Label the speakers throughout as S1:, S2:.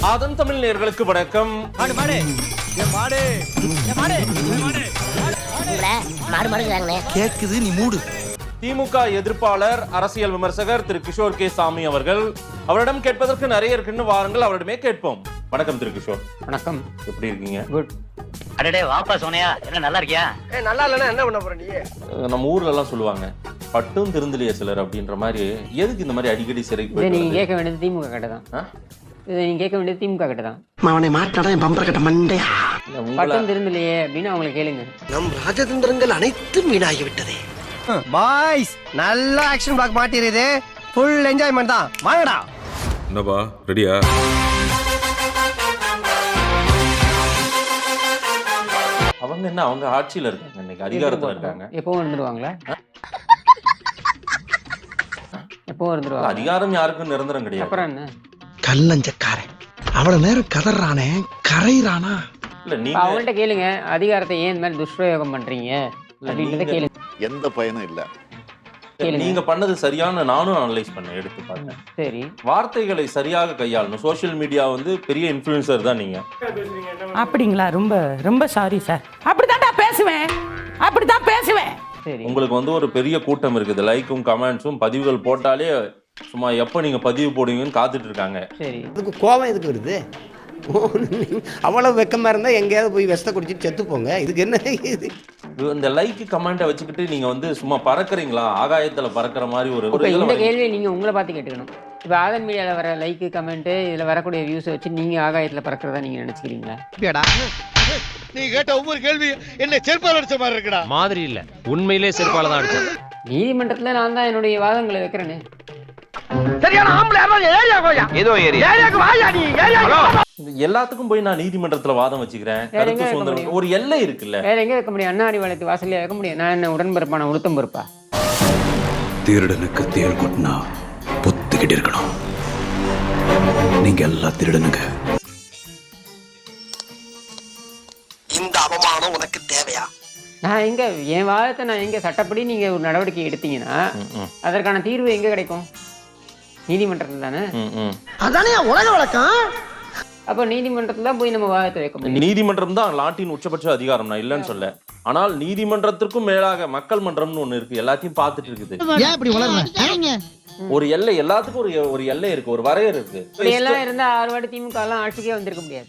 S1: ஆதன் தமிழ் நேயர்களுக்கு வணக்கம்.
S2: கேக்குது நீ மூடு.
S1: திமுக எதிர்ப்பாளர் அரசியல் விமர்சகர் திரு கிஷோர் கே சாமி அவர்கள். அவரிடம் கேட்பதற்கு நிறைய இருக்குன்னு வாருங்கள், அவரிடமே கேட்போம். வணக்கம் திரு கிஷோர்.
S3: வணக்கம்.
S1: எப்படி இருக்கீங்க?
S3: குட்.
S4: அடடே வாப்பா சோனியா, என்ன நல்லா இருக்கியா?
S5: நல்லா இல்லைன்னா என்ன பண்ண போற நீ?
S1: நம்ம ஊர்ல எல்லாம் சொல்லுவாங்க பட்டும் திருந்தலையே சிலர் அப்படின்ற மாதிரி. எதுக்கு இந்த மாதிரி அடிக்கடி சிறைக்கு
S3: நீங்க கேட்க வேண்டியது திமுக கிட்ட தான். இதை நீங்க கேட்க வேண்டியது திமுக கிட்ட தான்.
S2: அவனை மாட்டாடா என் பம்பர கட்ட மண்டையா.
S3: பட்டம் திருந்தலையே அப்படின்னு அவங்களை கேளுங்க.
S2: நம் ராஜதந்திரங்கள் அனைத்தும் வீணாகி விட்டதே.
S5: பாய்ஸ் நல்ல ஆக்ஷன் பிளாக் மாட்டிருது. ஃபுல் என்ஜாய்மெண்ட் தான். வாங்கடா.
S6: என்னப்பா ரெடியா?
S1: அவங்க என்ன, அவங்க ஆட்சியில இருக்காங்க, இன்னைக்கு அதிகாரத்துல இருக்காங்க.
S3: எப்பவும் இருந்துருவாங்களா? எப்பவும் இருந்துருவாங்க.
S1: அதிகாரம் யாருக்கும் நிரந்தரம் கிடையாது.
S3: அப்புறம் என்ன?
S2: கல்லஞ்சக்காரன் அவ்வளவு நேரம் கதறானே கரைறானா?
S1: இல்ல நீங்க
S3: அவங்கள்ட்ட கேளுங்க, அதிகாரத்தை ஏன் இந்த மாதிரி துஷ்பிரயோகம் பண்றீங்க அப்படின்றத கேளுங்க.
S7: எந்த பயனும் இல்ல.
S1: நீங்க பண்ணது சரியான, நானும் அனலைஸ் பண்ண எடுத்து பார்த்தேன்.
S3: சரி,
S1: வார்த்தைகளை சரியாக கையாளணும். சோசியல் மீடியா வந்து பெரிய இன்ஃப்ளூயன்சர் தான் நீங்க.
S8: அப்படிங்களா? ரொம்ப ரொம்ப சாரி சார். அப்படிதான் பேசுவேன்.
S3: சரி.
S1: உங்களுக்கு வந்து ஒரு பெரிய கூட்டம் இருக்குது. லைக்கும் கமெண்ட்ஸும் பதிவுகள் போட்டாலே சும்மா எப்போ நீங்க பதிவு போடுவீங்கன்னு காத்துட்டு இருக்காங்க.
S3: சரி.
S9: அதுக்கு கோபம் எதுக்கு வருது? அவ்வளவு வெக்கமா இருந்தா எங்கேயாவது போய் விஷத்தை குடிச்சிட்டு செத்து போங்க. இதுக்கு என்ன இது?
S1: இந்த லைக் கமெண்ட்டை வச்சுக்கிட்டு நீங்க வந்து சும்மா பறக்குறீங்களா? ஆகாயத்துல பறக்கிற மாதிரி ஒரு
S3: இந்த கேள்வியை நீங்க உங்களை பார்த்து கேட்டுக்கணும். இப்போ ஆதன் மீடியாவில் வர லைக் கமெண்ட், இதில் வரக்கூடிய வியூஸை வச்சு நீங்க ஆகாயத்தில் பறக்கிறதா நீங்க நினைச்சுக்கிறீங்களா?
S5: நீ கேட்ட ஒவ்வொரு கேள்வி என்ன செருப்பால அடிச்ச மாதிரி இருக்குடா.
S10: மாதிரி இல்ல, உண்மையிலே செருப்பால தான் அடிச்சேன்.
S3: நீதிமன்றத்தில் நான் தான் என்னுடைய வாதங்களை வைக்கிறேனே.
S5: சரியான ஆம்பளை ஏரியா கோயா.
S10: ஏதோ
S5: ஏரியாக்கு வாயா நீ. ஏரியா
S1: எல்லாத்துக்கும் போய் நான் நீதிமன்றத்துல வாதம் வச்சுக்கிறேன். கருத்து சுதந்திரம் ஒரு எல்லை இருக்குல்ல.
S3: வேற எங்க வைக்க முடியும்? அண்ணா அறிவாலயத்து வாசல்ல வைக்க முடியும். நான் என்ன உடன்பரப்பான உளுத்தம் பொறுப்பா?
S11: திருடனுக்கு தேள் கொட்டினா பொத்துக்கிட்டு இருக்கணும். நீங்க எல்லாம் திருடனுங்க.
S2: இந்த அவமானம் உனக்கு தேவையா?
S3: நான் எங்க என் வாதத்தை நான் எங்க சட்டப்படி நீங்க ஒரு நடவடிக்கை எடுத்தீங்கன்னா அதற்கான தீர்வு எங்க கிடைக்கும்? நீதிமன்றத்தில் தானே.
S2: அதானே உலக வழக்கம்.
S3: அப்போ நீதிமன்றத்தில் தான் போய் நம்ம வாதத்தை வைக்க முடியும்.
S1: நீதிமன்றம் தான் நாட்டின் உச்சபட்ச அதிகாரம், நான் இல்லைன்னு சொல்ல. ஆனால் நீதிமன்றத்திற்கும் மேலாக மக்கள் மன்றம்னு ஒண்ணு இருக்கு, எல்லாத்தையும் பார்த்துட்டு இருக்குது.
S9: ஏன் இப்படி வளர்றீங்க?
S1: ஒரு எல்லை, எல்லாத்துக்கும் ஒரு எல்லை இருக்கு, ஒரு வரையறை இருக்கு.
S3: இப்படி எல்லாம் இருந்தா 6 வாட்டி திமுக எல்லாம் ஆட்சிக்கே வந்திருக்க முடியாது.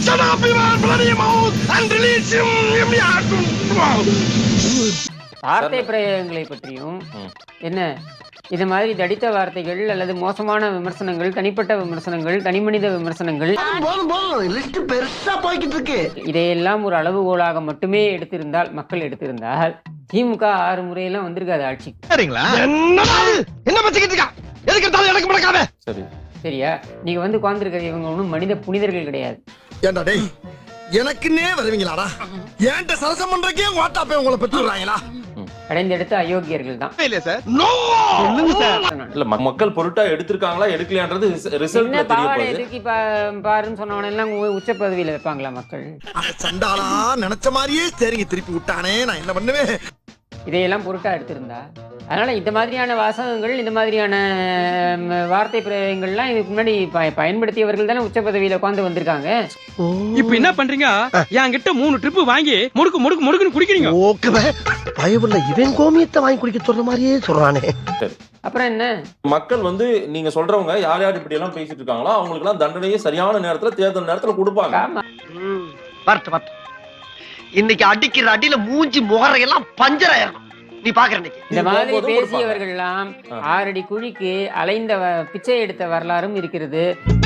S3: வார்த்தை பிரயோகங்களை பற்றியும் என்ன, இது மாதிரி தடித்த வார்த்தைகள் அல்லது மோசமான விமர்சனங்கள், தனிப்பட்ட விமர்சனங்கள், தனிமனித விமர்சனங்கள்,
S2: பெருசா போய்கிட்டு இருக்கு.
S3: இதையெல்லாம் ஒரு அளவுகோலாக மட்டுமே எடுத்திருந்தால், மக்கள் எடுத்திருந்தால், திமுக 6 முறையெல்லாம் வந்திருக்காது ஆட்சி.
S5: என்ன பச்சிக்கிட்டு இருக்கா? எதுக்கு எடுத்தாலும் எனக்கு முடக்காத.
S1: சரி,
S3: சரியா? நீங்க வந்து உட்கார்ந்துருக்கிற இவங்க ஒன்றும் மனித புனிதர்கள் கிடையாது.
S2: ஏண்டா டேய், எனக்குன்னே வருவீங்களாடா? ஏன்ட்ட சரசம் பண்றக்கே வாட்டாப்பே உங்களை பெற்றுறாங்களா?
S3: கடைந்தெடுத்த அயோக்கியர்கள் தான்.
S1: இல்ல மக்கள் பொருட்டா எடுத்திருக்காங்களா எடுக்கலையான்றது ரிசல்ட்ல தெரிய போகுது.
S3: எதுக்கு பாருன்னு சொன்னவன எல்லாம் உச்ச பதவியில வைப்பாங்களா மக்கள்?
S2: சண்டாளா நினைச்ச மாதிரியே சரிங்க திருப்பி விட்டானே, நான் என்ன பண்ணுவேன்?
S3: இதையெல்லாம் பொருட்டா எடுத்திருந்தா. அதனால இந்த மாதிரியான வாசகங்கள், இந்த மாதிரியான வார்த்தை பிரயோகங்கள்லாம் இதுக்கு முன்னாடி பயன்படுத்தியவர்கள் தானே உச்ச பதவியில உட்கார்ந்து வந்திருக்காங்க.
S10: இப்ப என்ன பண்றீங்க? என்கிட்ட 3 ட்ரிப் வாங்கி முடுக்குன்னு குடிக்கிறீங்க.
S2: ஓகே, பயவுள்ள இவன் கோமியத்தை வாங்கி குடிக்க சொல்ற மாதிரியே சொல்றானே.
S3: அப்புறம் என்ன?
S1: மக்கள் வந்து நீங்க சொல்றவங்க யார் யார் இப்படி எல்லாம் பேசிட்டு இருக்காங்களோ அவங்களுக்கு எல்லாம் தண்டனையே சரியான நேரத்துல, தேர்தல் நேரத்துல கொடுப்பாங்க.
S9: வரட்டு இன்னைக்கு அடிக்கிற அடியில மூஞ்சி முகரையெல்லாம் பஞ்சர் ஆயிரும். நீ பாக்குற
S3: இந்த மாதிரி பேசியவர்கள் எல்லாம் 6 அடி குழிக்கு அலைந்த பிச்சை எடுத்த வரலாறும் இருக்கிறது.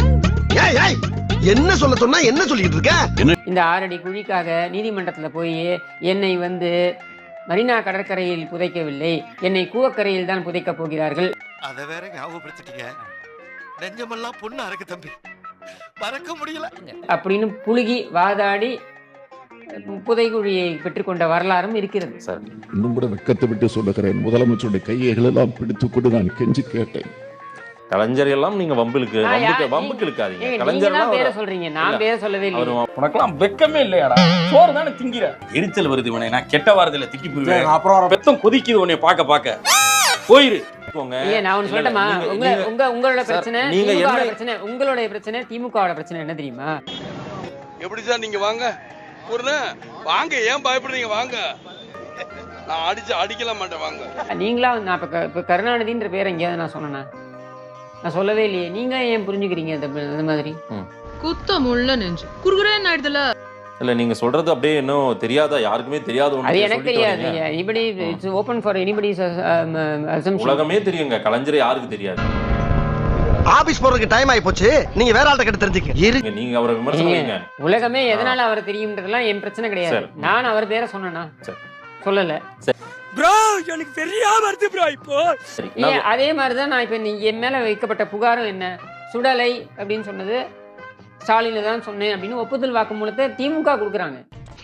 S2: என்ன சொல்ல சொன்னா என்ன சொல்லிட்டு இருக்க?
S3: இந்த 6 அடி குழிக்காக நீதிமன்றத்துல போய் என்னை வந்து மரீனா கடற்கரையில் புதைக்கவில்லை, என்னை கூவக்கரையில் தான் புதைக்க போகிறார்கள்.
S5: அத வேற ஞாபகப்படுத்திட்டீங்க. நெஞ்சமெல்லாம் பொண்ணா இருக்கு தம்பி, மறக்க முடியல
S3: அப்படின்னு புழுகி வாதாடி புதைகுழியை பெற்றுக்கொண்ட வரலாறும் இருக்கிறது.
S6: இன்னும் கூட வெக்கத்தை விட்டு சொல்லுகிறேன், முதலமைச்சருடைய கையைகள் எல்லாம் பிடித்துக் கொண்டு நான் கெஞ்சி கேட்டேன்.
S1: கலைஞர் எல்லாம் நீங்க வம்புக்கு இழுக்காதீங்க. கலைஞர்
S3: பேர சொல்றீங்க, நான் பேர சொல்லவே இல்லை.
S10: உனக்கெல்லாம் வெக்கமே இல்லையாடா? சோறு தானே திங்கிற. எரிச்சல் வருது உனே, நான் கெட்ட வாரத்துல திக்கி போயிடுவேன். அப்புறம் பெத்தம் கொதிக்குது உன்னை பார்க்க
S1: போயிரு
S3: ஏன் நான் ஒண்ணு சொல்லட்டுமா? உங்களோட பிரச்சனை
S1: நீங்க
S3: திமுகவோட
S1: என்ன
S3: பிரச்சனை, உங்களுடைய பிரச்சனை திமுகவோட பிரச்சனை என்ன தெரியுமா?
S10: எப்படி சார் நீங்க வாங்க வாங்க, ஏன் பயப்படுறீங்க? வாங்க, நான் அடிக்கல மாட்டேன், வாங்க.
S3: நீங்களா நான் இப்ப கருணாநிதின்ற பேரை எங்கேயாவது நான் சொன்னேனா? நான் சொல்லவே இல்லையே. நீங்க ஏன் புரிஞ்சுக்கிறீங்க இந்த மாதிரி?
S8: குத்தம் உள்ள நெஞ்சு குறுகுறேன்னு ஆயிடுதுல.
S1: இல்ல நீங்க சொல்றது அப்படியே இன்னும் தெரியாதா, யாருக்குமே தெரியாத
S3: அது எனக்கு தெரியாது. Anybody it's open for anybody's assumption.
S1: உலகமே தெரியுங்க, கலைஞர் யாருக்கு தெரியாது.
S9: ஆபீஸ் போறதுக்கு டைம் ஆயி போச்சு, நீங்க வேற ஆள்கிட்ட கிட்ட தெரிஞ்சுக்க.
S1: நீங்க அவரை விமர்சனம்.
S3: உலகமே எதனால அவர் தெரியும்ன்றதெல்லாம் என் பிரச்சனை கிடையாது. நான் அவர் பேரை சொன்னேனா? சொல்லல.
S10: ப்ரோ எனக்கு தெரியாம வருது ப்ரோ. இப்போ
S3: அதே மாதிரிதான் நான் இப்ப நீங்க என் மேல வைக்கப்பட்ட புகாரும் என்ன, சுடலை அப்படின்னு சொன்னது ஸ்டாலின் தான் சொன்னேன் அப்படின்னு ஒப்புதல் வாக்குமூலத்தை திமுக கொடுக்குறாங்க.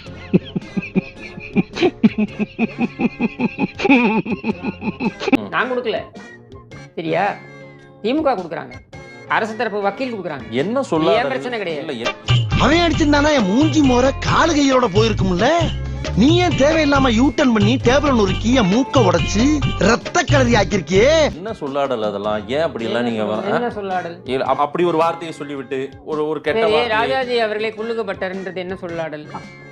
S3: நான் கொடுக்கல, சரியா? திமுக கொடுக்குறாங்க, அரசு தரப்பு வக்கீல் கொடுக்குறாங்க.
S1: என்ன சொல்ல
S3: பிரச்சனை கிடையாது.
S9: அவன் அடிச்சிருந்தானா என் மூஞ்சி மோர காலு கையோட போயிருக்கும்ல. நீ ஏன் தேவையில்லாம யூட்டன் பண்ணி டேபிள் நொறுக்கி என் மூக்க உடைச்சு ரத்த கலரி ஆக்கிருக்கியே.
S1: என்ன சொல்லாடல் அதெல்லாம்? ஏன் அப்படி எல்லாம் நீங்க
S3: என்ன சொல்லாடல்?
S1: அப்படி ஒரு வார்த்தையை சொல்லிவிட்டு ஒரு கெட்ட வார்த்தை.
S3: ராஜாஜி அவர்களை குள்ளுகப்பட்டர்ன்றது என்ன சொல்லாடல்?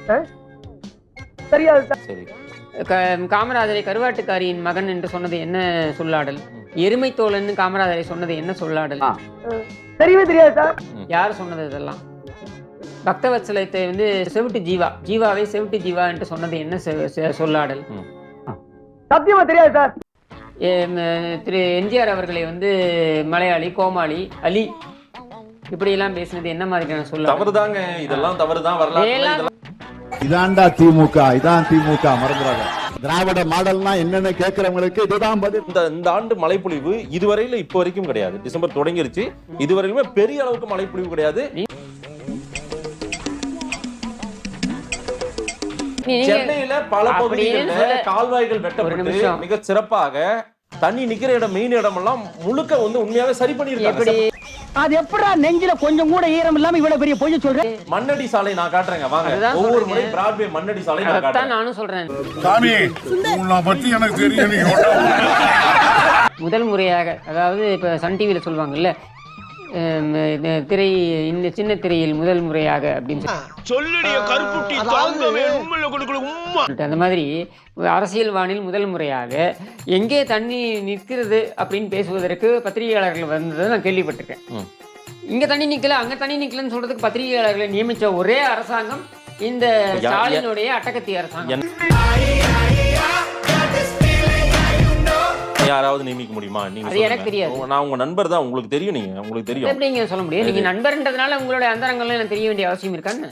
S1: சரி.
S3: காமராஜரை கருவாட்டுக்காரியின் மகன் என்று சொன்னது என்ன சொல்லாடல்? எருமை தோழன் காமராஜரை சொன்னது என்ன சொல்லாடல்?
S9: தெரியவே தெரியாது சார்.
S3: யார் சொன்னது இதெல்லாம்? பக்தவத்சலத்தை வந்து செவிட்டு ஜீவாவை செவிட்டு ஜீவா என்று சொன்னது என்ன சொல்லாடல்?
S9: சத்தியமா தெரியாது சார்.
S3: திரு எம்ஜிஆர் அவர்களை வந்து மலையாளி, கோமாளி, அலி இப்படி எல்லாம் பேசினது என்ன மாதிரியான சொல்லாடல்?
S1: தவறுதாங்க, இதெல்லாம் தவறுதான். வரலாறு
S6: இதான்டா திமுக, இதான் திமுக, மறந்துடாத. திராவிட மாடல்னா என்னன்னு கேட்கிறவங்களுக்கு இதுதான் பதில்.
S1: இந்த ஆண்டு மழைப்பொழிவு இதுவரையில இப்ப வரைக்கும் கிடையாது. டிசம்பர் தொடங்கிருச்சு, இதுவரையிலுமே பெரிய அளவுக்கு மழைப்பொழிவு கிடையாது. சென்னையில பல பகுதிகளில் கால்வாய்கள் வெட்டப்பட்டு மிக சிறப்பாக தண்ணி நிக்கிற இடம், மெயின் இடம் எல்லாம் முழுக்க வந்து உண்மையாவே சரி பண்ணிருக்காங்க.
S9: அது எப்படா நெஞ்சில கொஞ்சம் கூட ஈரம் இல்லாம இவ்வளவு பெரிய பொய் சொல்றேன்?
S1: மண்ணடி சாலை நான் காட்டுறேங்க, வாங்க. ஒவ்வொரு முறை பிராட்வே மண்ணடி சாலை நான் காட்டுறேன்.
S3: நானும் சொல்றேன்.
S6: சாமி உன்னை பத்தி எனக்கு தெரியும்.
S3: முதல் முறையாக, அதாவது இப்ப சன் டிவில சொல்லுவாங்கல்ல, திரை இந்த சின்ன திரையில் முதல் முறையாக அப்படின்னு அந்த மாதிரி அரசியல் வானில் முதல் முறையாக எங்கே தண்ணி நிற்கிறது அப்படின்னு பேசுவதற்கு பத்திரிகையாளர்கள் வந்ததை நான் கேள்விப்பட்டிருக்கேன். இங்க தண்ணி நிக்கல, அங்க தண்ணி நிக்கலன்னு சொல்றதுக்கு பத்திரிகையாளர்களை நியமிச்ச ஒரே அரசாங்கம் இந்த ஸ்டாலினுடைய அட்டகத்தி அரசாங்கம்.
S1: யாராவது நியமிக்க முடியுமா? நீங்க
S3: எனக்கு தெரியாது.
S1: நான் உங்க நண்பர் தான், உங்களுக்கு தெரியும். உங்களுக்கு தெரியும்.
S3: எப்படிங்க சொல்ல முடியும்? நீங்க நண்பர்ன்றதுனால உங்களுடைய அந்தரங்கள்லாம் எனக்கு தெரிய வேண்டிய அவசியம் இருக்கான்னு?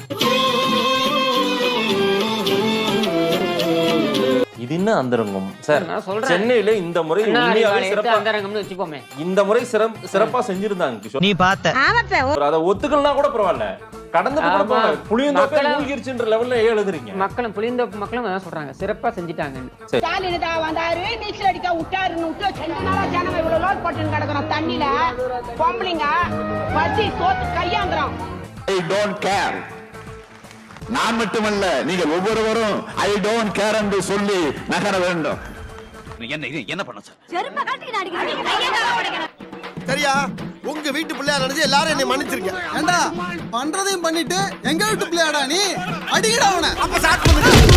S1: இது என்ன அந்தரங்கம் சார்?
S3: நான் சொல்றேன்,
S1: சென்னையில இந்த முறை உண்மையாவே சிறப்பா
S3: அந்தரங்கம்னு வெச்சுப்போமே.
S1: இந்த முறை சிறப்பா செஞ்சிருந்தாங்க கிஷோர்.
S9: நீ பார்த்த
S1: அத ஒத்துக்கலனா கூட பரவாயில்ல, கடந்து கூட பரவாயில்ல. புளியந்தோப்பே மூழ்கிருச்சுன்ற லெவல்ல எழுதுறீங்க.
S3: மக்களும் புளியந்தோப்பு மக்களும் அதான் சொல்றாங்க, சிறப்பா செஞ்சிட்டாங்கன்னு.
S8: ஸ்டாலின் தான் வந்தாரு, நீச்சல் அடிக்க விட்டாருன்னு விட்டு 2 நாளா ஜனங்க இவ்வளவு லோட் போட்டு கிடக்குறோம் தண்ணியில. பொம்பளைங்க பசி சோத்து கையாந்துறோம்.
S6: I don't care. நான் மட்டுமல்ல, நீங்கள் ஒவ்வொருவரும் ஐ டோன்ட் கேர் என்று சொல்லி நகர வேண்டும்.
S11: என்ன பண்ண சார்?
S2: சரியா? உங்க வீட்டு பிள்ளையா நினைச்சு எல்லாரும் என்னை மன்னிச்சிருக்கேன். ஏண்டா பண்றதையும் பண்ணிட்டு எங்க வீட்டு பிள்ளையாடா நீ? அடிக்கடா அவனை. அப்ப ஸ்டார்ட் பண்ணுங்க.